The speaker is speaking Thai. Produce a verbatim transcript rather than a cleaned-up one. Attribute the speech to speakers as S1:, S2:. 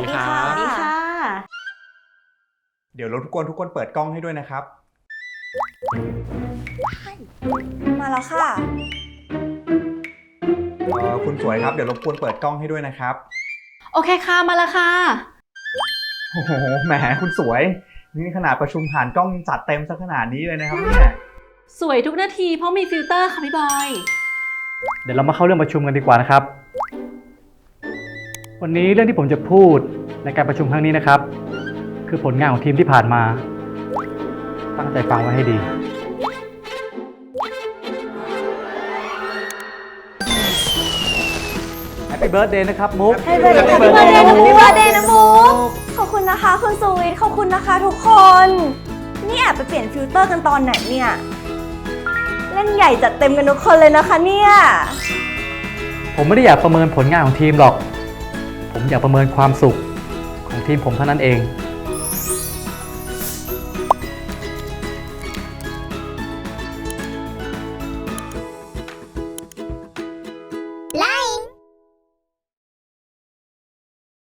S1: ดีค่ะสวัสดีค่ะ
S2: เดี๋ยวรบกวนทุกคนเปิดกล้องให้ด้วยนะครับ
S1: มาแล้วค่ะ
S2: เอ่อคุณสวยครับเดี๋ยวรบกวนเปิดกล้องให้ด้วยนะครับ
S3: โอเคค่ะมาแล้วค่ะ
S2: โอ้โหแหมคุณสวยนี่ขนาดประชุมผ่านกล้องจัดเต็มซะขนาดนี้เลยนะครับเนี่ย
S3: สวยทุกนาทีเพราะมีฟิลเตอร์ค่ะพี่บอย
S4: เดี๋ยวเรามาเข้าเรื่องประชุมกันดีกว่านะครับวันนี้เรื่องที่ผมจะพูดในการประชุมครั้งนี้นะครับคือผลงานของทีมที่ผ่านมาตั้งใจฟังไว้ให้ดีแฮปปี้เบิร์ธเดย์นะครับมุก
S1: ให้เบอร์เดย์ให้เบอร์เดย์ให้เบอร์เดย์นะมุกขอบคุณนะคะคุณสวีทขอบคุณนะคะทุกคนนี่แอบไปเปลี่ยนฟิลเตอร์กันตอนไหนเนี่ยเล่นใหญ่จัดเต็มกันทุกคนเลยนะคะเนี่ย
S4: ผมไม่ได้อยากประเมินผลงานของทีมหรอกผมอยากประเมินความสุขของทีมผมเท่านั้นเอง